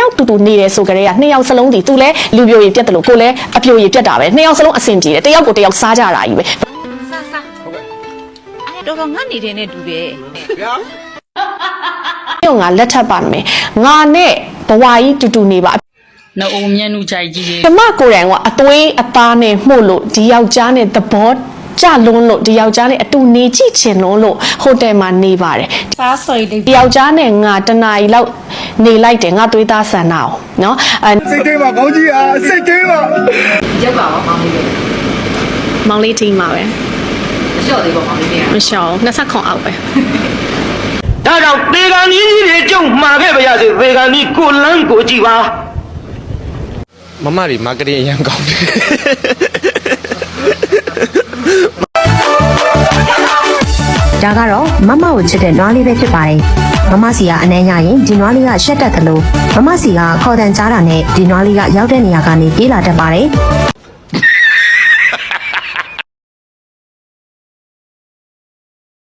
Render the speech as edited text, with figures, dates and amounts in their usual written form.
ယောက်တူတူနေတယ်ဆိုကြတဲ့က2ယောက်စလုံးဒီသူလဲလူပြိုရည်ပြတ်တယ်လို့ကိုလဲအပြိုရည်ပြတ်တာပဲ2ယောက်စလုံးအဆင်ပြေတယ်တယောက်ကိုတယောက်စားကြတာကြီးပဲတော်တော်ငတ်နေတဲ့နဲ့တူတယ်ဗျာငါလက်ထပ်ပါမယ်ငါနဲ့ဘဝကြီးတူတူနေပါနော်အုံမျက်နှာကြိုက်ကြီးကျမကိုယ်တိုင်ကအသွေးအသားနဲ့မှုတ်လို့ဒီယောက်ျားနဲ့သဘောကြလုံးလို့ဒီယောက်ျားနဲ့အတူနေကြည့်ချင်လို့ဟိုတယ်မှာနေပါတယ်စားဆွေလေးဒီယောက်ျားနဲ့ငါတနာရီလောက်နေလိုက်တယ်ငါသွေးသားဆန္ဒအောင်နော်စိတ်သေးပါကောင်းကြီးအားစိတ်သေးပါရက်ပါပါမောင်လေးပဲမောင်လေးထင်းပါပဲမလျှော့သေးပါမောင်လေးကမလျှော့20ခွန်အောက်ပဲဒါကြောင့်သေကန်ကြီးတွေကြုံမှာခဲ့ပါရစေသေကန်ကြီးကိုလန်းကိုကြည့်ပါမမတွေမာကတင်အရင်ကောင်းတယ်ဒါကတော့မမကိုချစ်တဲ့နွားလေးပဲဖြစ်ပါတယ်မမစီကအနှမ်းရရင်ဒီနွားလေးကရှက်တက်တယ်လို့မမစီကခေါ်တန်ကြားတာနဲ့ဒီနွားလေးကရောက်တဲ့နေရာကနေပြေးလာတတ်ပါတယ်